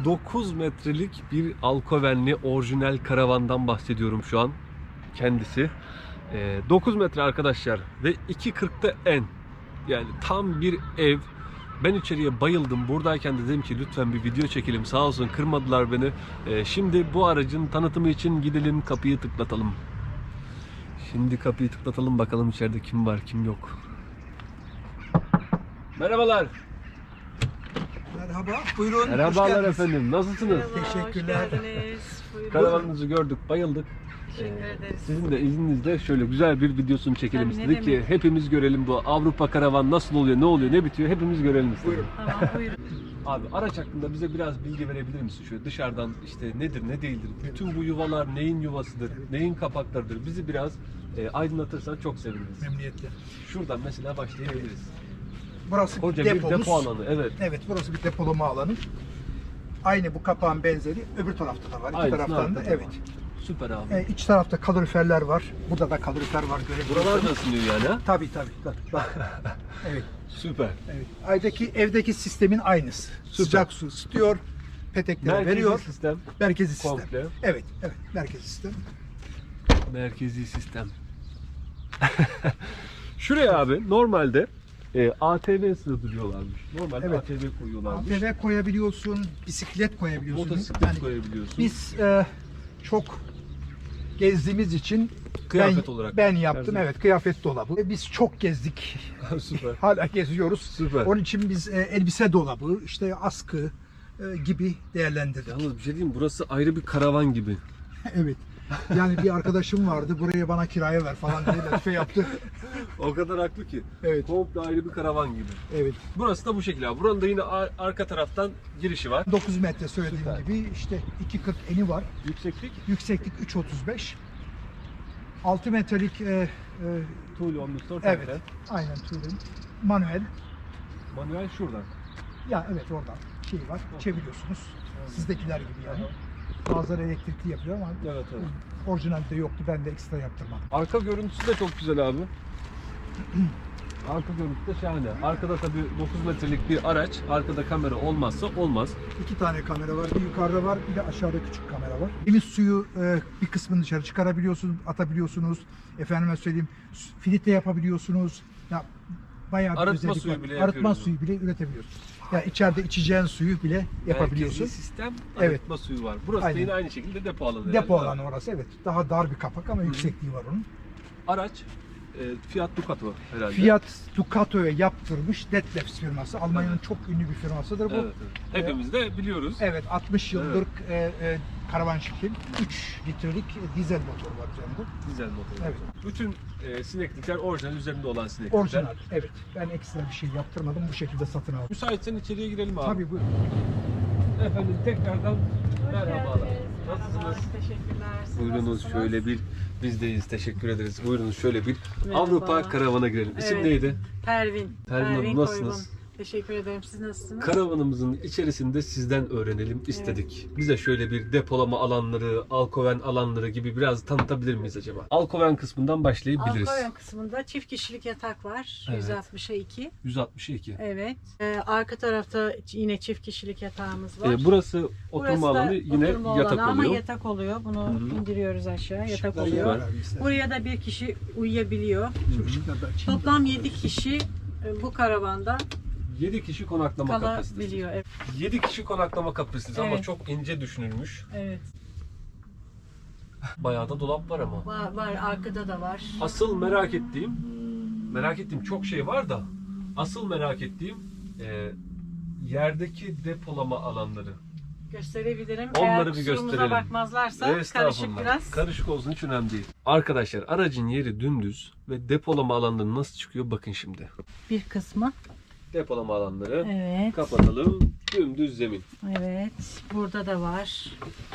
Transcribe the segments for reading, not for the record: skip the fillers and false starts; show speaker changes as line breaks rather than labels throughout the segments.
9 metrelik bir Alkovenli orijinal karavandan bahsediyorum şu an. Kendisi. 9 metre arkadaşlar ve 2.40'da en. Yani tam bir ev. Ben içeriye bayıldım. Buradayken de dedim ki lütfen bir video çekelim. Sağ olsun kırmadılar beni. Şimdi bu aracın tanıtımı için gidelim, kapıyı tıklatalım. Şimdi kapıyı tıklatalım, bakalım içeride kim var kim yok. Merhabalar.
Merhaba, buyurun.
Merhabalar efendim. Nasılsınız?
Merhaba,
Teşekkürler.
hoş geldiniz. Buyurun.
Karavanınızı gördük, bayıldık.
Teşekkür ederiz.
Sizin de izninizle şöyle güzel bir videosunu çekelim
Tabii, ne
istedik ki
demek.
hepimiz görelim bu Avrupa karavan nasıl oluyor, ne oluyor, ne bitiyor hepimiz görelim istedik.
Buyurun.
Tamam, buyurun.
Abi araç hakkında bize biraz bilgi verebilir misin? Şöyle dışarıdan işte nedir, ne değildir? Bütün bu yuvalar neyin yuvasıdır, neyin kapaklarıdır? Bizi biraz aydınlatırsan çok seviniriz.
Memnuniyetle.
Şuradan mesela başlayabiliriz.
Burası
Koca
depomuz.
bir depo alanı, evet.
Evet, burası bir depolama alanı. Aynı bu kapağın benzeri öbür tarafta da var. İki
Aynısını
taraftan da
arkada
evet.
var. Süper abi.
İç tarafta kaloriferler var. Burada da kalorifer var.
Buralar da ısınıyor yani ha?
Tabii. Bak. Evet.
Süper.
Evet. Evdeki sistemin aynısı.
Süper.
Sıcak su ısıtıyor. Peteklere
Merkezi
veriyor.
sistem.
Merkezi sistem.
Komple.
Evet. Merkezi sistem.
Merkezi sistem. Şuraya abi normalde ATV sığdırıyorlarmış. Normalde
Evet.
ATV koyuyorlarmış.
ATV koyabiliyorsun, bisiklet koyabiliyorsun.
Motosiklet koyabiliyorsun.
Biz çok gezdiğimiz için
Kıyafet olarak.
ben yaptım.
Her
Evet, kıyafet dolabı. Biz çok gezdik.
Süper.
Hala geziyoruz.
Süper.
Onun için biz elbise dolabı, işte askı gibi değerlendirdik.
Yalnız bir şey diyeyim mi? Burası ayrı bir karavan gibi.
Evet. Yani bir arkadaşım vardı. Buraya bana kiraya ver falan diye latife yaptı.
O kadar haklı ki.
Evet.
Komple ayrı bir karavan gibi.
Evet.
Burası da bu şekilde abi. Buranın da yine arka taraftan girişi var.
9 metre söylediğim
Süper.
gibi işte 2.40 eni var.
Yükseklik.
Yükseklik 3.35. 6 metrelik
Tool omnistore
evet.
temper.
Aynen Turing. Manuel.
Manuel şuradan.
Ya evet oradan şey var. Çeviriyorsunuz. Sizdekiler gibi yani. Bazıları elektrikli yapıyor ama
Evet.
orijinalde yoktu. Ben de ekstra yaptırmadım.
Arka görüntüsü de çok güzel abi. Arka görüntüsü de şahane. Arkada tabii 9 metrelik bir araç. Arkada kamera olmazsa olmaz.
2 tane kamera var. Bir yukarıda var, bir de aşağıda küçük kamera var. Temiz suyu bir kısmını dışarı çıkarabiliyorsunuz, atabiliyorsunuz. Efendime söyleyeyim, filtre yapabiliyorsunuz. Ya bayağı bir
Arıtma
özellik
suyu
var.
bile
Arıtma
yapıyoruz
suyu bile üretebiliyorsun. Ya içeride içeceğin suyu bile yapabiliyorsun.
Merkezi sistem
Evet.
arıtma suyu var. Burası
Aynen.
da yine aynı şekilde depo alanı.
Depo
yani.
alanı orası evet. Daha dar bir kapak ama yüksekliği var onun.
Araç Fiat Ducato herhalde.
Fiat Ducato'ya yaptırmış Detlefs firması. Almanya'nın çok ünlü bir firmasıdır bu.
Evet. Hepimiz de biliyoruz.
Evet 60 yıldır karavan şekil. 3 litrelik dizel motor var üzerinde.
Dizel motor.
Evet.
Bütün sineklikler orijinal üzerinde olan sineklikler.
Orijinal. Evet. Ben ekstra bir şey yaptırmadım. Bu şekilde satın aldım.
Müsaitsen içeriye girelim abi.
Tabii buyurun.
Efendim tekrardan
Hoş
merhabalar.
geldiniz.
Nasılsınız?
Merhaba, teşekkürler. Siz
Buyurunuz
nasılsınız?
şöyle bir bizdeyiz. Teşekkür ederiz. Buyurunuz şöyle bir
Merhaba.
Avrupa karavana girelim. İsim
Evet.
neydi?
Pervin.
Hanım, nasılsınız?
Koygun. Teşekkür ederim. Siz nasılsınız?
Karavanımızın içerisinde sizden öğrenelim istedik. Bize şöyle bir depolama alanları, alkoven alanları gibi biraz tanıtabilir miyiz acaba? Alkoven kısmından başlayabiliriz.
Alkoven kısmında çift kişilik yatak var.
Evet.
160'a 2.
162.
Evet. Arka tarafta yine çift kişilik yatağımız var.
Burası oturma
Burası da
alanı yine
oturma
yatak
alanı
oluyor.
ama yatak oluyor. Bunu
Hı-hı.
indiriyoruz aşağı. Yatak
Işıklar
oluyor.
var abi, ister.
Buraya da bir kişi uyuyabiliyor.
Şu ışıkları da açayım.
Toplam 7 kişi bu karavanda
7 kişi konaklama kapasitesi.
kalabiliyor. Evet.
7 kişi konaklama kapasitesi ama
Evet.
çok ince düşünülmüş.
Evet.
Bayağı da dolap var ama.
Var, arkada da var.
Asıl merak ettiğim çok şey var da asıl merak ettiğim yerdeki depolama alanları.
Gösterebilirim.
Onları
Eğer
bir
kusurumuza
gösterelim.
bakmazlarsa karışık
Estağfurullah.
biraz.
Karışık olsun hiç önemli değil. Arkadaşlar aracın yeri dümdüz ve depolama alanları nasıl çıkıyor bakın şimdi.
Bir kısmı.
Depolama alanları
Evet.
kapatalım. Dümdüz zemin.
Evet. Burada da var.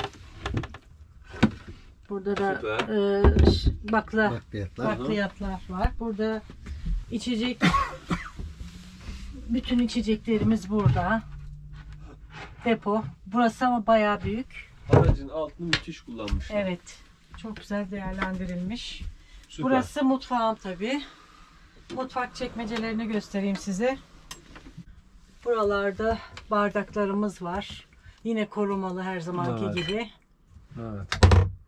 Burada da
Süper.
bakliyatlar var. Burada içecek bütün içeceklerimiz burada. Depo. Burası ama bayağı büyük.
Aracın altını müthiş kullanmışlar.
Evet. Çok güzel değerlendirilmiş.
Süper.
Burası mutfağım tabii. Mutfak çekmecelerini göstereyim size. Buralarda bardaklarımız var. Yine korumalı her zamanki
Evet.
gibi.
Evet.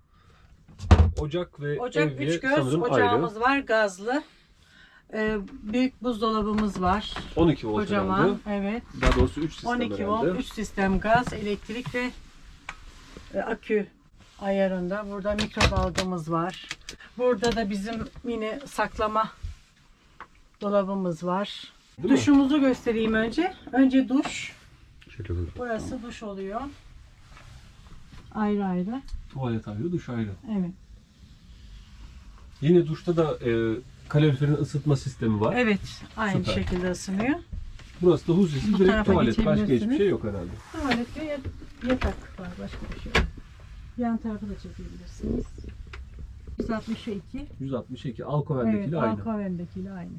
Ocak ve
Ocak
evye
3 göz
sanırım
ocağımız
ayrı.
var, gazlı. Büyük buzdolabımız var.
12 volt
Kocaman,
herhalde.
evet.
Daha doğrusu 3 sistem
12
herhalde.
volt, 3 sistem gaz, elektrik ve akü ayarında. Burada mikrodalgamız var. Burada da bizim yine saklama dolabımız var.
Değil mi?
Duşumuzu göstereyim önce. Önce duş.
Şöyle bir
Burası duş oluyor. Ayrı ayrı.
tuvalet ayrı, duş ayrı.
Evet.
Yine duşta da kaloriferin ısıtma sistemi var.
Evet. Aynı
Süper.
şekilde ısınıyor.
Burası da huzurlu
Bu
direkt
tarafa
tuvalet. Başka hiçbir
geçebilirsiniz.
şey yok herhalde.
Tuvalette yatak var. Başka bir şey yok. Yan tarafı da çekebilirsiniz. 162.
162.
Evet.
Alkoven'dekiyle aynı.
Alkoven'dekiyle aynı.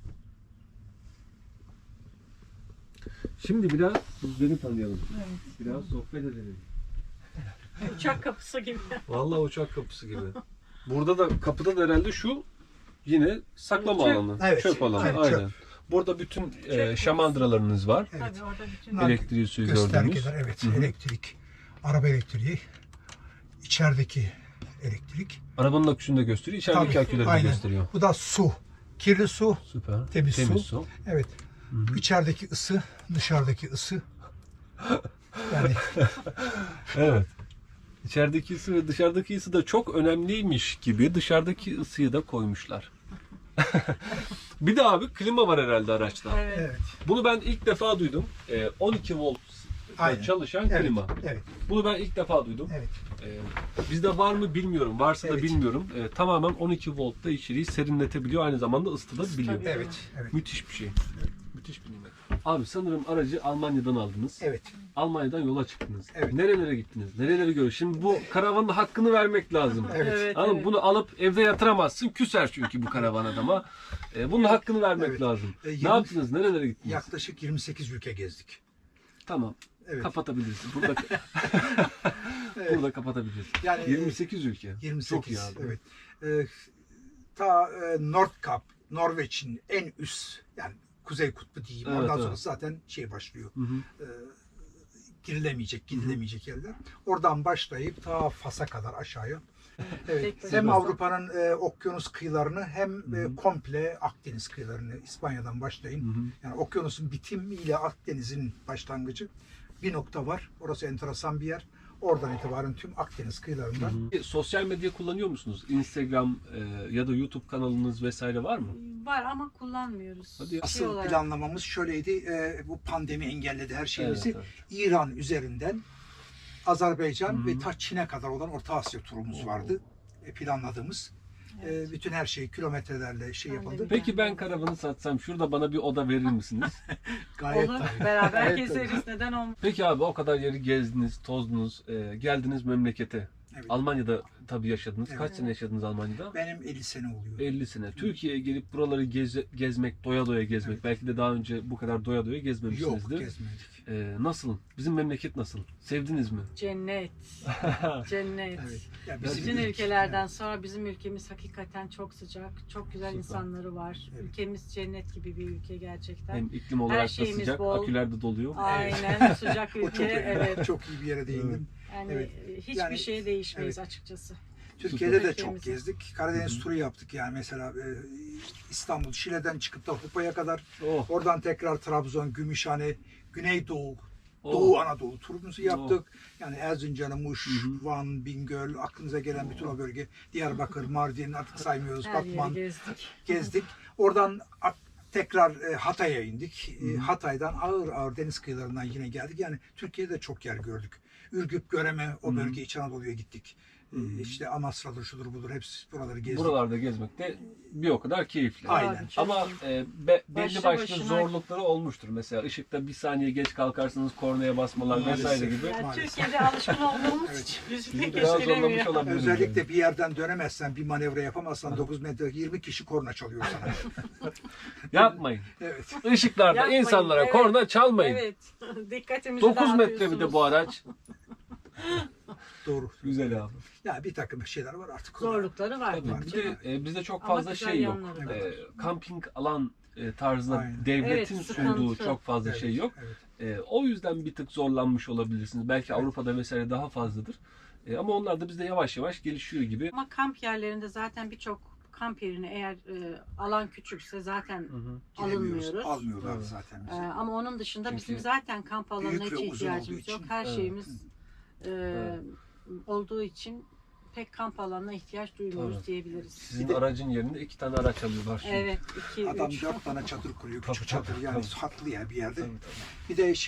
Şimdi biraz beni tanıyalım.
Evet.
Biraz sohbet edelim.
Uçak kapısı gibi.
Vallahi uçak kapısı gibi. Burada da kapıda da herhalde şu yine saklama
Çöp.
alanı.
Evet.
Çöp alanı.
Evet,
Aynen.
çöp.
Burada bütün
Çöp.
şamandıralarınız var.
Evet.
Tabii orada bütün
Bunlar
Elektriği suyu gördüğümüz.
göstergeler, evet.
Hı hı.
Elektrik, araba elektriği, içerideki elektrik.
Arabanın aküsünü de gösteriyor. İçerideki
Tabii,
aküleri de
aynen.
gösteriyor.
Bu da su. Kirli su,
Süper.
Temiz su. Evet.
Hı.
İçerideki ısı, dışarıdaki ısı. Yani
Evet. İçerideki ısı ve dışarıdaki ısı da çok önemliymiş gibi dışarıdaki ısıyı da koymuşlar. Bir de abi klima var herhalde araçta.
Evet.
evet.
Bunu ben ilk defa duydum. 12 volt
Aynen.
çalışan
Evet.
klima.
Evet.
Bunu ben ilk defa duydum.
Evet.
Bizde var mı bilmiyorum. Varsa da
Evet.
bilmiyorum. Tamamen 12 voltta içeriği serinletebiliyor. Aynı zamanda ısıtabiliyor.
Tabii.
Evet. Evet.
Müthiş bir şey. Müthiş bir nimet. Abi sanırım aracı Almanya'dan aldınız.
Evet.
Almanya'dan yola çıktınız.
Evet.
Nerelere gittiniz? Nereleri gördünüz? Şimdi bu karavanın da hakkını vermek lazım.
Evet.
Evet,
Anladın mı?
evet.
Bunu alıp evde yatıramazsın. Küser çünkü bu karavan adama. Bunun hakkını vermek
Evet.
lazım. Ne
20
yaptınız? Nerelere gittiniz?
Yaklaşık 28 ülke gezdik.
Tamam.
Evet.
Kapatabilirsin. Burada
Evet.
burada kapatabilirsin.
Yani
28 ülke.
28.
Çok iyi abi.
Evet. Ta Nordkap, Norveç'in en üst yani Kuzey Kutbu diyeyim.
Evet,
Oradan
evet.
sonra zaten şey başlıyor.
Hı hı.
Girilemeyecek, gidilemeyecek yerler. Oradan başlayıp ta Fas'a kadar aşağıya. Evet.
Tek
Hem
başına.
Avrupa'nın okyanus kıyılarını hem komple Akdeniz kıyılarını İspanya'dan başlayın.
Hı hı.
Yani okyanusun bitimiyle Akdeniz'in başlangıcı bir nokta var. Orası enteresan bir yer. Oradan itibaren tüm Akdeniz kıyılarından.
Sosyal medya kullanıyor musunuz? Instagram ya da YouTube kanalınız vesaire var mı?
Var ama kullanmıyoruz.
Hadi ya.
Asıl
olarak.
planlamamız şöyleydi. Bu pandemi engelledi her şeyimizi.
Evet,
İran üzerinden Azerbaycan
Hı hı.
ve ta Çin'e kadar olan Orta Asya turumuz vardı. Planladığımız. Bütün her şey kilometrelerle şey
Pandemi.
yapıldı.
Peki ben karavanı satsam şurada bana bir oda verir misiniz?
Gayet
Olur.
tabii.
Beraber
Gayet tabii.
gezeriz. Neden olmaz?
Peki abi o kadar yeri gezdiniz, tozdunuz, geldiniz memlekete.
Evet.
Almanya'da tabii yaşadınız.
Evet.
Kaç sene yaşadınız Almanya'da?
Benim 50 sene oluyor.
50 sene. Türkiye'ye gelip buraları gezmek, doya doya gezmek.
Evet.
Belki de daha önce bu kadar doya doya
Yok
gezmemişsinizdir.
gezmedik.
Nasıl? Bizim memleket nasıl? Sevdiniz mi?
Cennet. Cennet.
Evet. Ya
Bütün ülkelerden sonra bizim ülkemiz hakikaten çok sıcak, çok güzel
Süper.
insanları var.
Evet.
Ülkemiz cennet gibi bir ülke gerçekten.
Hem iklim olarak da
şeyimiz
sıcak,
bol.
aküler de doluyor.
Aynen sıcak
O
ülke.
çok,
Evet.
çok iyi bir yere değindin.
Yani
Evet.
hiçbir
Yani-
şeye değişmeyiz açıkçası.
Türkiye'de de
Ülkemizi.
çok gezdik. Karadeniz turu yaptık yani mesela İstanbul, Şile'den çıkıp da Hupa'ya kadar.
Oh,
Oradan tekrar Trabzon, Gümüşhane, Güneydoğu,
oh.
Doğu Anadolu turumuzu yaptık. Yani Erzincan, Muş,
Hı hı.
Van, Bingöl, aklınıza gelen bütün o bölge. Diyarbakır, Mardin artık saymıyoruz.
Her
Batman
yeri gezdik.
gezdik. Oradan tekrar Hatay'a indik.
Hı hı.
Hatay'dan ağır ağır deniz kıyılarından yine geldik. Yani Türkiye'de çok yer gördük. Ürgüp, Göreme, o
Hı hı.
bölge İç Anadolu'ya gittik. İşte Amasra'dır, şudur budur hepsi buraları gezdik.
Buralarda gezmek de bir o kadar keyifli.
Aynen.
Abi, çok
Ama
iyi.
belli
Başlı
başlı
başına-
zorlukları olmuştur. Mesela ışıkta bir saniye geç kalkarsanız kornaya basmalar
Maalesef.
vesaire gibi.
Yani
Maalesef.
Türkiye'de alışkın olduğumuz
Evet.
için bizi
Sizi
pek
biraz zorlamış
etkilemiyor.
olabilir.
Özellikle bir yerden dönemezsen, bir manevra yapamazsan 9 metre 20 kişi korna çalıyor sana.
Yapmayın.
Evet.
Işıklarda
Yapmayın,
insanlara
evet.
korna çalmayın.
Evet. Dikkatimizi
9 metre bir de
dağıtıyorsunuz.
bu araç.
Doğru.
Güzel abi.
Ya bir takım şeyler var artık.
Zorlukları var.
Tabii.
tabii
Bir
canım.
de bizde çok
Ama
fazla
güzel
şey yok.
yanları da var.
Kamping alan tarzında
Aynen.
devletin
Evet,
sunduğu
sıkıntı.
çok fazla
Evet,
şey yok.
evet.
O yüzden bir tık zorlanmış olabilirsiniz. Belki
Evet.
Avrupa'da vesaire daha fazladır. Ama onlar da bizde yavaş yavaş gelişiyor gibi.
Ama kamp yerlerinde zaten birçok kamp yerini eğer alan küçükse zaten
Hı.
Giremiyoruz,
alınmıyoruz.
almıyorlar
Evet.
zaten bizi.
Ama onun dışında
Çünkü
bizim zaten kamp alanına
büyük ve
hiç
uzun olduğu
ihtiyacımız yok.
için.
Her
Evet.
şeyimiz
Evet.
olduğu için pek kamp alanına ihtiyaç duymuyoruz
Evet.
diyebiliriz.
Sizin
Bir de-
aracın yerine 2 tane araç alıyorlar şimdi.
Evet, 2
Adam
3.
4 tane çadır kuruyor,
Tabii,
küçük
tabii,
çadır yani
tabii.
haklı ya bir yerde.
Tabii, tabii.
Bir de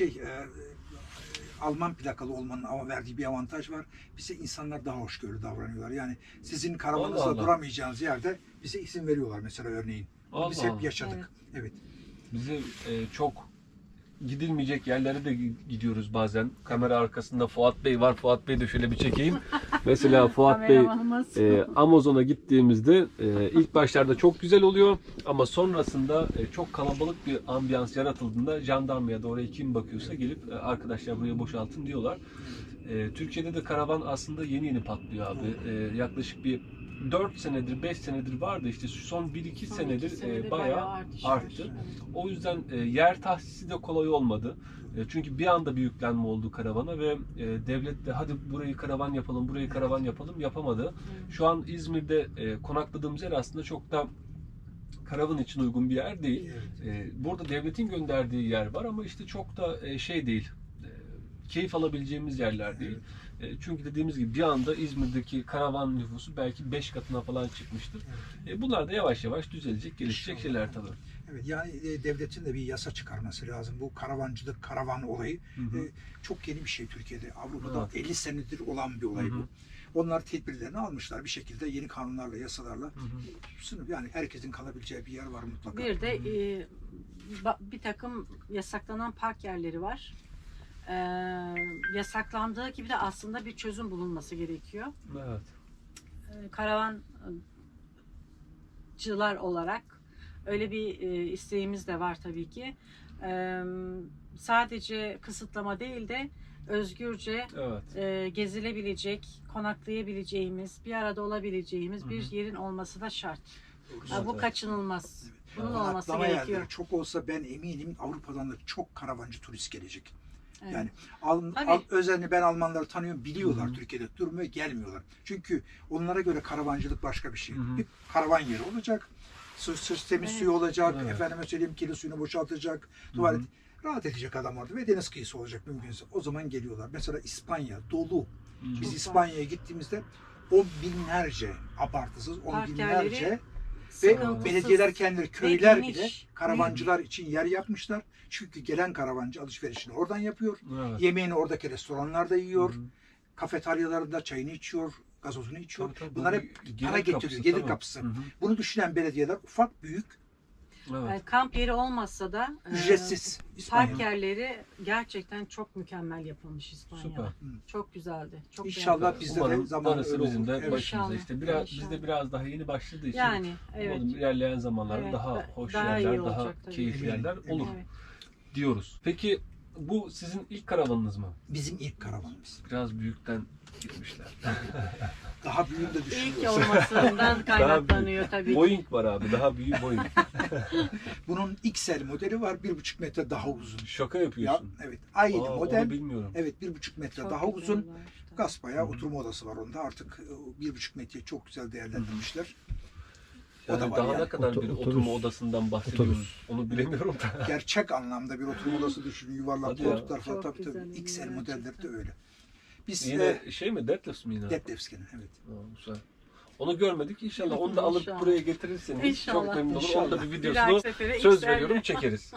Alman plakalı olmanın ama verdiği bir avantaj var. Bize insanlar daha hoşgörülü davranıyorlar. Yani sizin karavanınızda
Allah Allah.
duramayacağınız yerde bize izin veriyorlar mesela örneğin. Bunu
Allah
biz hep
Allah.
yaşadık. Evet.
Bize çok gidilmeyecek yerlere de gidiyoruz bazen. Kamera arkasında Fuat Bey var. Fuat Bey de şöyle bir çekeyim. Mesela Fuat Bey
Kameramanımız.
Amazon'a gittiğimizde ilk başlarda çok güzel oluyor ama sonrasında çok kalabalık bir ambiyans yaratıldığında jandarmaya da oraya kim bakıyorsa gelip arkadaşlar buraya boşaltın diyorlar. Türkiye'de de karavan aslında yeni yeni patlıyor abi. Yaklaşık bir 4 senedir, 5 senedir vardı işte şu son 1-2
Son
senedir
iki senede
bayağı
artış var.
arttı.
Evet.
O yüzden yer tahsisi de kolay olmadı. Çünkü bir anda bir yüklenme oldu karavana ve devlet de hadi burayı karavan yapalım, burayı karavan yapalım yapamadı. Şu an İzmir'de konakladığımız yer aslında çok da karavan için uygun bir yer değil. Burada devletin gönderdiği yer var ama işte çok da şey değil. Keyif alabileceğimiz yerler değil. Çünkü dediğimiz gibi bir anda İzmir'deki karavan nüfusu belki 5 katına falan çıkmıştır. Bunlar da yavaş yavaş düzelecek, gelişecek şeyler tabii.
Evet, yani devletin de bir yasa çıkarması lazım. Bu karavancılık, karavan olayı çok yeni bir şey Türkiye'de. Avrupa'da
Evet.
50 senedir olan bir olay
Hı hı.
bu. Onlar tedbirlerini almışlar bir şekilde yeni kanunlarla, yasalarla. Sınıf yani herkesin kalabileceği bir yer var mutlaka.
Bir de bir takım yasaklanan park yerleri var. Yasaklandığı gibi de aslında bir çözüm bulunması gerekiyor.
Evet.
Karavancılar olarak öyle bir isteğimiz de var tabii ki. Sadece kısıtlama değil de özgürce
Evet.
gezilebilecek, konaklayabileceğimiz, bir arada olabileceğimiz bir yerin olması da şart.
Doğru.
Bu kaçınılmaz. Bunun
Evet.
olması
Konaklama
gerekiyor.
yerleri çok olsa ben eminim Avrupa'dan da çok karavancı turist gelecek.
Evet.
Yani
Tabii.
özellikle ben Almanları tanıyorum, biliyorlar
Hı hı.
Türkiye'de durmuyor, gelmiyorlar. Çünkü onlara göre karavancılık başka bir şey.
Hı hı.
Bir karavan yeri olacak, temiz
Evet.
suyu olacak,
Evet.
efendime söyleyeyim kirli suyunu boşaltacak, tuvalet rahat edecek adam orada ve deniz kıyısı olacak mümkünse. O zaman geliyorlar. Mesela İspanya dolu. Biz
Çok
İspanya'ya gittiğimizde on binlerce, abartısız on
Park
binlerce
yerleri
ve
sıkıntısız
belediyeler kendileri, köyler
geniş.
bile karavancılar için yer yapmışlar. Çünkü gelen karavancı alışverişini oradan yapıyor.
Evet.
Yemeğini oradaki restoranlarda yiyor.
Hı hı.
Kafeteryalarında çayını içiyor, gazozunu içiyor.
Tabii, tabii.
Bunlar
Bu
hep
gelir
para getiriyor,
kapısı,
gelir
tabii.
kapısı.
Hı hı.
Bunu düşünen belediyeler ufak büyük,
Evet.
Kamp yeri olmasa da
ücretsiz
park
İspanya'da.
yerleri gerçekten çok mükemmel yapılmış İspanya'da.
Süper.
Çok güzeldi. Çok
İnşallah
beğendim.
bizde de
Umarım
zamanla
darısı
öyle
bizim
olur.
de
Evet.
başımıza
İnşallah.
işte biraz
İnşallah.
bizde biraz daha yeni başladığı için
Yani evet.
umarım ilerleyen zamanlarda
Evet,
daha hoş
daha iyi
yerler,
olacak
daha
tabii.
keyifli
Eminim,
yerler olur
Evet.
diyoruz. Peki bu sizin ilk karavanınız mı?
Bizim ilk karavanımız.
Biraz büyükten gitmişler.
Daha büyüğünü de
İlk
düşünüyoruz.
olmasından kaynaklanıyor tabii ki.
Boeing var abi, daha büyük Boeing.
Bunun XL modeli var, 1,5 metre daha uzun.
Şaka
Ya,
yapıyorsun.
evet, aynı
Aa,
model.
Onu bilmiyorum.
Evet, 1,5 metre
Çok
daha
güzel
uzun.
var işte.
Gaspaya
Hı hı.
oturma odası var onda. Artık 1,5 metreyi çok güzel değerlendirmişler. O
Yani
da var
daha
yani.
ne kadar bir
Otobüs.
oturma odasından bahsediyoruz onu bilemiyorum da.
Gerçek anlamda bir oturma odası düşünün. Yuvarlak
Hadi ya.
koltuklar falan.
Çok
Tabii tabii.
güzel,
XL
gerçekten.
modelleri de öyle. Biz
Yine şey mi, Deadlifts mi yine?
Detlefsken'in, evet.
Aa, güzel. Onu görmedik. İnşallah onu da alıp
İnşallah.
buraya getirirseniz
İnşallah.
çok memnun olurum. Onu da bir
Bir
videosunu
dahaki sefere
söz
XL
veriyorum çekeriz.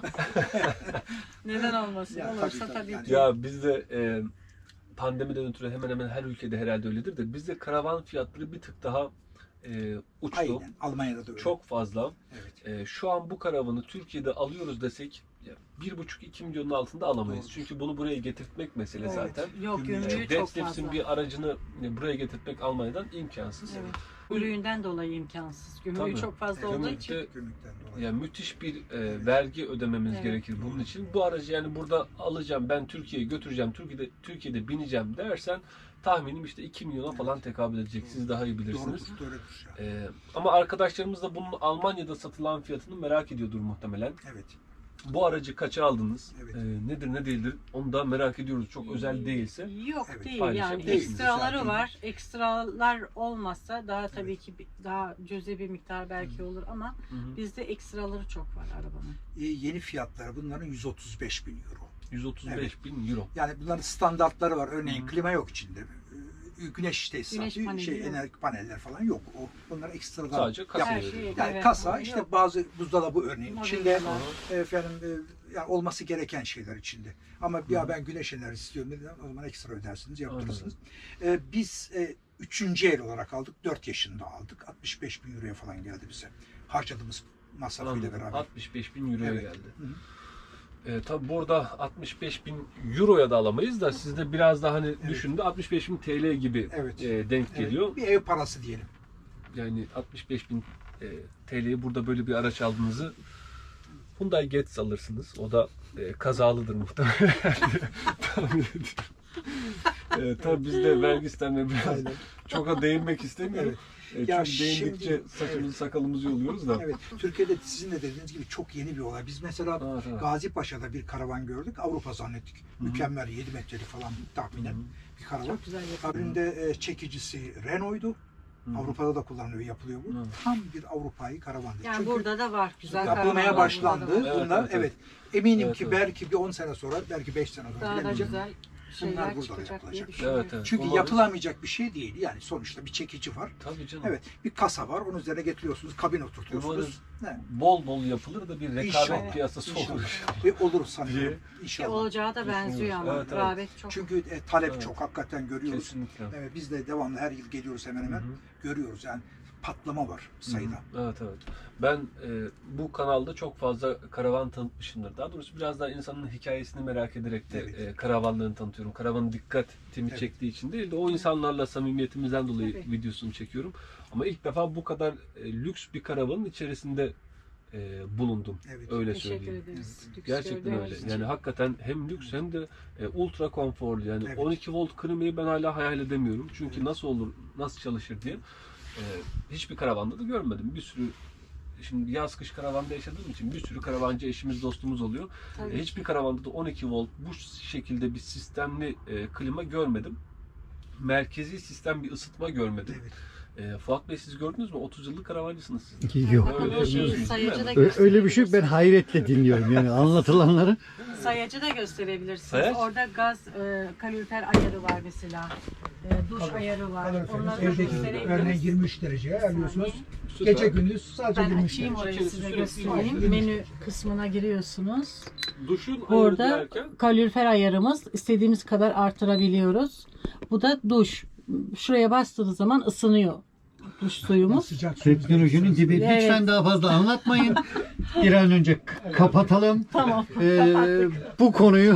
Neden olmasın?
Ya,
Olursa
tabii,
tabii
yani.
ki.
Ya bizde pandemiden ötürü hemen hemen her ülkede herhalde öyledir de bizde karavan fiyatları bir tık daha uçtu.
Aynen. Almanya'da da öyle.
Çok fazla.
Evet.
Şu an bu karavanı Türkiye'de alıyoruz desek 1,5-2 milyonun altında alamayız.
Doğru.
Çünkü bunu buraya getirtmek mesele
Evet.
zaten.
Yok
Gümrüğü
gümrüğü çok
Deadlifts'in
fazla.
bir aracını buraya getirtmek Almanya'dan imkansız.
Evet. Gümrüğünden dolayı imkansız. Gümrüğü
Tabii.
çok fazla
Evet.
olduğu için.
Gümrükten dolayı.
Yani müthiş bir vergi ödememiz
Evet.
gerekir bunun için. Bu aracı yani burada alacağım, ben Türkiye'ye götüreceğim, Türkiye'de bineceğim dersen tahminim işte 2 milyona falan tekabül edecek. Siz daha iyi bilirsiniz.
Doğrudur. Ya.
Ama arkadaşlarımız da bunun Almanya'da satılan fiyatını merak ediyordur muhtemelen.
Evet.
Bu aracı kaça aldınız?
Evet.
Nedir ne değildir? Onu da merak ediyoruz. Çok özel değilse.
Yok
Evet,
değil
paylaşabilirsiniz.
yani
Değil,
ekstraları
zaten.
var. Ekstralar olmazsa daha tabii ki daha cüzi bir miktar belki olur ama
Hı hı.
bizde ekstraları çok var arabanın.
Yeni fiyatları bunların 135 bin euro.
135 bin euro.
Yani bunların standartları var. Örneğin
Hı.
klima yok içinde. Güneş tesisatı,
Güneş paneli yok.
enerji paneller falan yok. Bunlar ekstradan
Sadece kasa
Her
veriyor.
şey,
Yani
evet,
kasa
yok.
işte bazı buzdolabı örneğin içinde
Mobilyalar.
efendim yani olması gereken şeyler içinde. Ama ya ben güneş enerjisi istiyorum dediler, o zaman ekstra ödersiniz, yaptırırsınız. Biz 3. el olarak aldık. 4 yaşında aldık. 65 bin euroya falan geldi bize. Harcadığımız masrafıyla
Anladım.
beraber.
65 bin euroya
Evet.
geldi.
Hı hı.
Tabi burada 65 bin euroya da alamayız da sizde biraz daha hani düşündü 65 bin TL gibi
Evet.
denk
Evet,
geliyor.
bir ev parası diyelim.
Yani 65 bin TL'ye burada böyle bir araç aldığınızı Hyundai Getz alırsınız. O da kazalıdır muhtemelen. Tahmin ediyorum. Tabii bizde vergi sistemine biraz
Aynen.
çok da değinmek istemiyorum.
Ya
Çünkü değindikçe
şimdi-
saçımızı sakalımızı yoluyoruz da.
Evet. Türkiye'de sizin de dediğiniz gibi çok yeni bir olay. Biz mesela
Evet, evet.
Gazi Paşa'da bir karavan gördük. Avrupa zannettik. Mükemmel 7 metrelik falan tahminen bir karavan.
Çok güzel yapıyor.
Kabininde çekicisi Renault'du. Avrupa'da da kullanılıyor, yapılıyor bu.
Hı.
Tam bir Avrupa'yı karavandı.
Yani
Çünkü
burada da var güzel
yapılmaya
karavanlar,
başlandı.
burada da var.
Evet,
Bunlar
evet,
evet,
evet.
eminim
Evet,
ki
evet.
belki bir 10 sene sonra, belki 5 sene sonra
Daha da
bilemeyeceğim.
güzel
Bunlar
şeyler
burada
çıkacak diye
yapılacak.
düşünüyorum.
Evet, evet.
Çünkü
Umarız-
yapılamayacak bir şey değil. Yani sonuçta bir çekici var.
Tabii canım.
Evet, bir kasa var. Onun üzerine getiriyorsunuz, kabin oturtuyorsunuz. Ne?
Bol bol yapılır da bir rekabet
İnşallah.
piyasası
İnşallah.
olur.
Ve olur sanıyorum.
Diye.
Ki
İnşallah.
olacağı da benziyor ama
Evet, evet.
rağbet çok.
Çünkü talep
Evet.
çok. Hakikaten görüyoruz.
Kesinlikle.
Evet, biz de devamlı her yıl geliyoruz hemen hemen.
Hı hı.
Görüyoruz yani patlama var sayıda.
Evet evet. Ben bu kanalda çok fazla karavan tanıtmışımdır. Daha doğrusu biraz daha insanın hikayesini merak ederek de
Evet.
karavanlarını tanıtıyorum. Karavanın dikkatimi
Evet.
çektiği için değil de o insanlarla samimiyetimizden dolayı
Tabii.
videosunu çekiyorum. Ama ilk defa bu kadar lüks bir karavanın içerisinde bulundum.
Evet.
Öyle
Teşekkür
söyleyeyim.
ederiz. Lüks
Gerçekten
gördüğünüz
öyle.
için.
Yani hakikaten hem lüks hem de ultra konforlu. Yani
Evet.
12 volt klimayı ben hala hayal edemiyorum. Çünkü
Evet.
nasıl olur, nasıl çalışır diye. Hiçbir karavanda da görmedim. Bir sürü şimdi yaz kış karavanda yaşadığım için bir sürü karavancı eşimiz dostumuz oluyor.
Tabii.
Hiçbir karavanda da 12 volt bu şekilde bir sistemli klima görmedim. Merkezi sistem bir ısıtma görmedim.
Evet.
Fuat Bey siz gördünüz mü? 30 yıllık karavancısınız siz.
Yok.
Bakın
Öyle
o şeyi
yapıyorsunuz,
sayacı
değil
da
mi?
Öyle bir şey yok. Ben hayretle dinliyorum yani anlatılanları.
Sayacı da gösterebilirsiniz.
Sayaç?
Orada gaz kalorifer ayarı var mesela. Duş ayarı var.
Kaloriferiniz
Onları da
evdeki örneğin
gösterebiliriz.
23 dereceye ayarlıyorsunuz.
Süper.
Gece gündüz sadece
Ben
23
açayım
derece.
orayı
İçerisi
size
sürekli
göstereyim.
yürüyüş.
Menü kısmına giriyorsunuz.
Duşun ayarı
Orada
derken
kalorifer ayarımız istediğimiz kadar artırabiliyoruz. Bu da duş. Şuraya bastığınız zaman ısınıyor duş suyumuz.
Sıcak suyunuz
Teknolojinin
geliyor.
dibi.
Evet.
Lütfen daha fazla anlatmayın. Bir an önce kapatalım.
Tamam.
Bu konuyu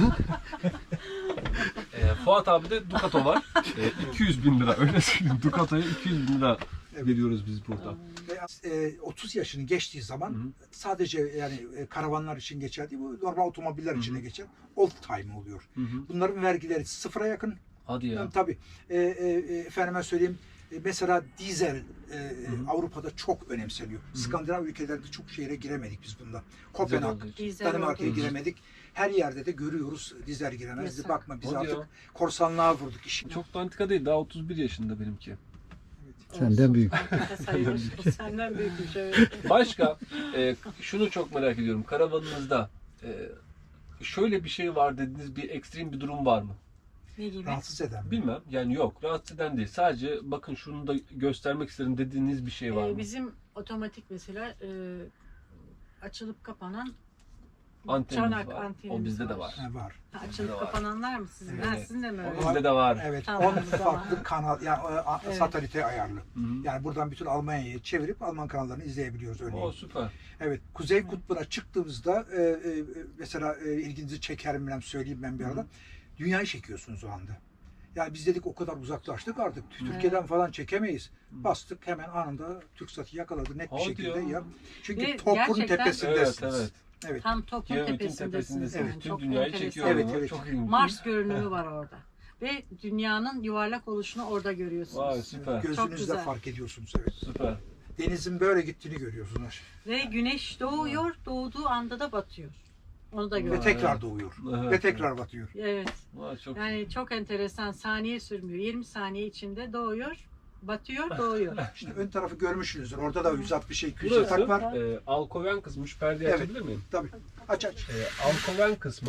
Fuat abi de Ducato var. 200 bin lira öyle söyleyeyim. Ducato'ya 200 bin lira veriyoruz biz burada.
Ve, 30 yaşını geçtiği zaman sadece yani karavanlar için geçer değil, bu normal otomobiller için de geçer. Old time oluyor.
Hı hı.
Bunların vergileri sıfıra yakın.
Hadi ya.
Yani tabii efendime söyleyeyim mesela dizel Avrupa'da çok önemseniyor. Skandinav ülkelerinde çok şehre giremedik biz bunda. Kopenhag,
olduğu için.
Dizel
Danimarka'ya
olduğu için.
giremedik. Her yerde de görüyoruz dizel giremez.
Yasak.
Bakma biz
Hadi
artık
ya.
korsanlığa vurduk işi.
Çok da antika değil. Daha 31 yaşında benimki.
senden büyük.
Sayılır. Senden büyükmüş evet.
Başka şunu çok merak ediyorum. Karavanınızda şöyle bir şey var dediğiniz bir ekstrem bir durum var mı?
Ne gibi?
Rahatsız eden.
Bilmem. Yani yok. Rahatsız eden değil. Sadece bakın şunu da göstermek isterim dediğiniz bir şey var mı?
Bizim otomatik mesela açılıp kapanan
Antenimiz
çanak
var.
antenimiz
O bizde de var.
Ha, var.
Açılıp
Bizde de var.
kapananlar mı sizin?
Evet.
Ha, sizin de mi öyle?
O bizde de var.
Evet,
Tamam,
10
tamam.
farklı kanal yani
Evet.
satelite ayarlı.
Hı hı.
Yani buradan bütün Almanya'yı çevirip Alman kanallarını izleyebiliyoruz örneğin.
O süper.
Evet, Kuzey Kutbu'na çıktığımızda mesela ilginizi çeker mi bilmem söyleyeyim ben bir arada. Dünyayı çekiyorsunuz o anda. Yani biz dedik o kadar uzaklaştık artık. Türkiye'den falan çekemeyiz. Bastık hemen anında TürkSat'ı yakaladı net bir
Hadi
şekilde.
ya.
Ya. Çünkü
Ve
topun
gerçekten-
tepesindesiniz.
Evet,
Evet.
Tam topun
Kiev'in
tepesindesiniz.
tepesindesiniz.
Yani.
Bütün
Çok
dünyayı
enteresan.
çekiyor.
Evet,
ama.
evet.
Çok ilginç.
Mars görünümü var orada. Ve dünyanın yuvarlak oluşunu orada görüyorsunuz.
Vay süper.
Çok
Gözünüzle
güzel.
fark ediyorsunuz. Evet.
Süper.
Denizin böyle gittiğini görüyorsunuz.
Ve güneş doğuyor, doğduğu anda da batıyor. Onu da
Ve
görüyoruz.
tekrar doğuyor.
Evet.
Ve tekrar batıyor.
Evet.
Vay, çok
Yani çok enteresan. Saniye sürmüyor. 20 saniye içinde doğuyor, batıyor, doğuyor.
İşte ön tarafı görmüşsünüzdür. Orada da 160 200
Burası
yatak var.
alkoven kısmı. Perdeyi
Evet.
açabilir miyim?
Tabii. Aç aç.
Alkoven kısmı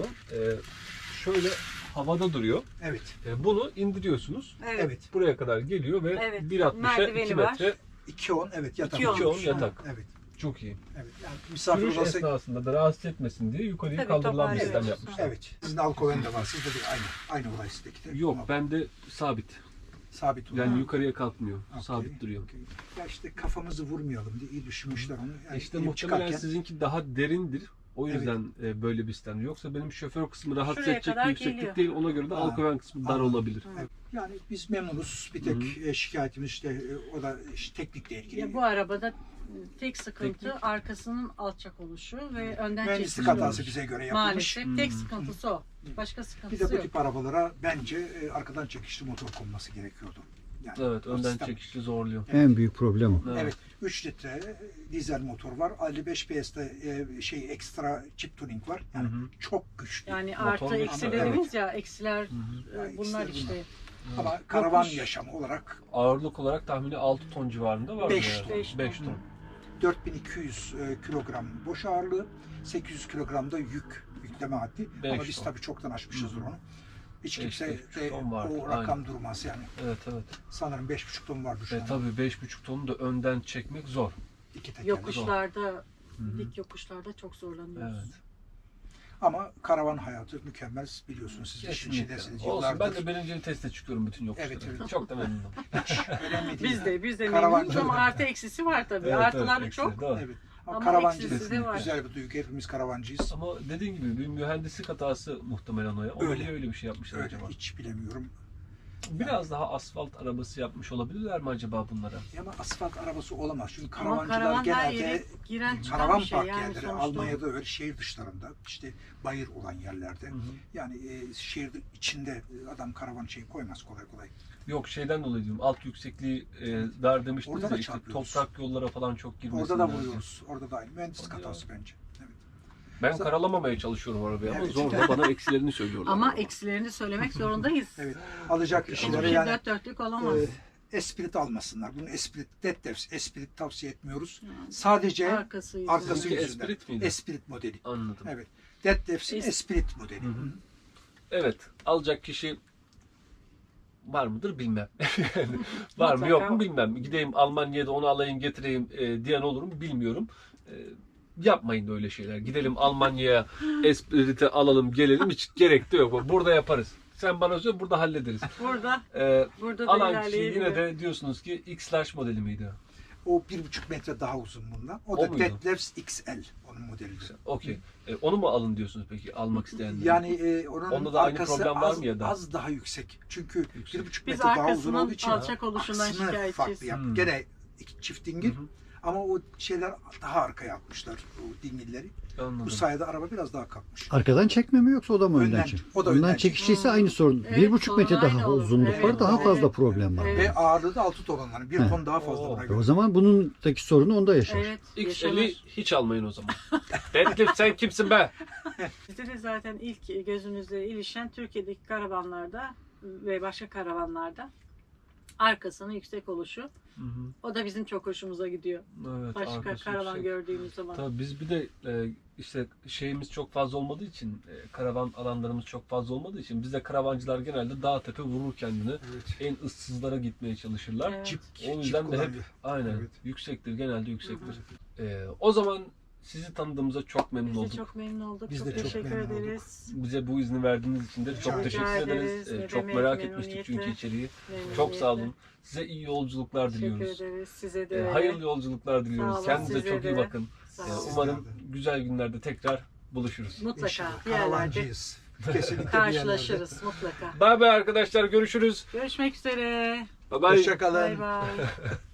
şöyle havada duruyor.
Evet.
Bunu indiriyorsunuz.
Evet.
Evet.
Buraya kadar geliyor ve
Evet.
1.60'a
Merdiveni
2
var.
metre.
2.10 evet yatak.
2.10
2.10 yatak.
Evet.
Çok iyi.
Evet. Yani misafir
Sürüş
odası.
esnasında da rahatsız etmesin diye yukarıya
Tabii,
kaldırılan bir
toparlıyoruz.
sistem yapmışlar.
Evet. Sizin alkoven de var. Sizde de aynı olay sizdeki de.
Yok
Ama
bende sabit.
sabit olan.
Yani yukarıya kalkmıyor.
Okey,
Sabit duruyor.
okey. Ya işte kafamızı vurmayalım diye iyi düşünmüşler onu. Yani
İşte
inip
muhtemelen
çıkarken-
sizinki daha derindir. O yüzden böyle bir sistem. Yoksa benim şoför kısmı rahatsız
Şuraya
edecek
kadar
bir yükseklik
geliyor.
değil. Ona göre de
Ha,
alkoven kısmı dar
anladım.
olabilir.
Evet. Yani biz memnunuz. Bir tek şikayetimiz işte o da işte teknikle ilgili.
Ya bu arabada tek sıkıntı
Teknik.
arkasının alçak oluşu ve önden
Mühendislik
çekilmiş
hatası
oluşu.
bize göre yapılmış.
Maalesef tek sıkıntısı o. Başka
Bir
sıkıntısı
de bu
yok.
tip arabalara bence arkadan çekişli motor konması gerekiyordu. Yani
Evet,
o
önden
sistem.
çekişli zorluyor.
En büyük problem o.
Evet. 3 litre dizel motor var. 55 PS'de ekstra chip tuning var. Yani çok güçlü.
Yani
Motor
artı
güçlü,
eksi
evet.
dediniz ya, eksiler
Yani
bunlar
eksiler
işte.
Ama karavan
Yokuş.
yaşamı olarak
Ağırlık olarak tahmini 6 ton civarında var.
5
yani.
ton.
5 ton.
4200 kilogram boş ağırlığı, 800 kilogram da yükleme haddi.
Beş
Ama biz
ton.
tabii çoktan aşmışızdır onu. Hiç
Beş,
kimse
5,5
de
ton vardır,
o rakam durmaz yani.
Evet evet.
Sanırım 5,5 ton vardı şu an.
Tabii 5,5 tonu da önden çekmek zor.
İki tekerlek.
Yokuşlarda, dik yokuşlarda çok zorlanıyoruz.
Evet.
Ama karavan hayatı mükemmel biliyorsunuz siz işin
Kesinlikle.
içindesiniz
Olsun,
yıllardır.
ben de birinci teste çıkıyorum bütün yokuşlara.
Evet, evet.
Çok da memnunum.
Önemli değil.
Biz de
Karavancı-
memnunuz ama artı eksisi var tabii.
Evet,
Artıları
evet,
çok.
eksi, doğru.
Evet. Ama,
Ama
karavancılık
eksisi de var.
güzel bir duygu. Hepimiz karavancıyız.
Ama dediğin gibi bir mühendislik hatası muhtemelen o ya. Ona
Öyle.
niye öyle bir şey yapmışlar
Öyle
acaba?
hiç bilemiyorum.
Biraz daha asfalt arabası yapmış olabilirler mi acaba bunlara?
Ama asfalt arabası olamaz. Çünkü
Ama
karavancılar
karavan her
genelde
yere giren çıkan
karavan
bir şey.
park
Yani
yerleri
sonuçta
Almanya'da öyle şehir dışlarında işte bayır olan yerlerde
Hı hı.
yani şehir içinde adam karavan koymaz kolay kolay.
Yok şeyden dolayı diyorum. Alt yüksekliği dar demiştiniz
Orada da
ya işte
çarpıyoruz.
toprak yollara falan çok girmesinler.
Orada da vuruyoruz. Orada da aynı. Mühendislik
Hadi ya.
hatası bence. Evet.
Ben karalamamaya çalışıyorum arabayı ama
Evet.
zorla bana eksilerini söylüyorlar.
ama eksilerini söylemek zorundayız.
Evet. Alacak
Hiçbir
kişilere
şey
yani
dört dörtlük olamaz.
Esprit almasınlar. Bunu Esprit tavsiye etmiyoruz. Sadece
Arkası yüzü.
arkası
Sizinki
yüzünden.
Esprit miydi?
Esprit modeli.
Anladım.
Evet. Detlefs'in
Es-
Esprit modeli.
Hı hı. Evet. Alacak kişi var mıdır bilmem. Yani var mı yok mu bilmem. Gideyim Almanya'da onu alayım getireyim diyen olur mu bilmiyorum. Yapmayın öyle şeyler. Gidelim Almanya'ya Esprit'i alalım gelelim hiç gerek de yok. Burada yaparız. Sen bana söyle burada hallederiz.
Burada
Ee,
burada da
alan kişi
ilerleyebilir.
yine de diyorsunuz ki X-Large modeli miydi?
O 1,5 metre daha uzun bundan. O
O
da
muydu?
Detlefs XL onun modelidir.
Okey. Onu mu alın diyorsunuz peki almak isteyenler?
Yani onun
Onda da aynı
arkası
problem var
az,
mı ya da?
az daha yüksek. Çünkü
Yüksek.
1,5
Biz
metre daha uzun
arkasının
olduğu için
alçak oluşundan
aksını
şikayetçiyiz.
farklı yap.
Hmm.
Gene çift dingil
Hı hı.
ama o şeyler daha arkaya atmışlar o dingilleri.
Anladım.
Bu sayede araba biraz daha kalkmış.
Arkadan çekme mi yoksa o da mı önden
Önden-
çek?
o da
önden
önden
çekişliyse aynı sorun.
Evet,
1,5
sorun
metre
aynı
daha
olur.
uzunluk
Evet,
var. Daha
evet.
fazla problem var.
Evet.
Ve ağırlığı da 6 ton onların. 1
Heh.
ton daha fazla
Oo.
buna
O
göre.
zaman bunundaki sorunu onda yaşar.
Evet.
X50
yaşanır.
hiç almayın o zaman. Deadlift sen kimsin be?
Bizde de zaten ilk gözümüzle ilişen Türkiye'deki karavanlarda ve başka karavanlarda arkasının yüksek oluşu. O da bizim çok hoşumuza gidiyor.
Evet,
Başka
arkası
karavan
yüksek.
gördüğümüz zaman.
Tabii biz bir de işte şeyimiz çok fazla olmadığı için karavan alanlarımız çok fazla olmadığı için bizde karavancılar genelde dağ tepe vurur kendini.
Evet.
En ıssızlara gitmeye çalışırlar.
Evet.
Çift,
O yüzden de hep
kullanıyor.
aynen
Evet.
yüksektir genelde yüksektir. O zaman sizi tanıdığımıza çok memnun
Biz de
olduk.
çok memnun olduk.
Biz
çok
de çok
teşekkür
memnun olduk.
ederiz.
Bize bu izni verdiğiniz için de
Rica
çok teşekkür
ederiz.
ederiz.
Ne
Çok
demek,
merak etmiştik çünkü
memnuniyetle.
içeriği.
Memnuniyetle.
Çok sağ olun. Size iyi yolculuklar
Teşekkür
diliyoruz.
ederiz. Size de.
Hayırlı yolculuklar diliyoruz.
Sağ olun,
Kendinize
size
çok iyi
de.
bakın.
Sağ olun.
Umarım güzel günlerde tekrar buluşuruz.
Mutlaka
İnşallah.
bir yerlerde.
Karavancıyız. Kesinlikle
Karşılaşırız mutlaka.
Bay bay arkadaşlar, görüşürüz.
Görüşmek üzere.
Bye bye.
Hoşçakalın.
Bay bay.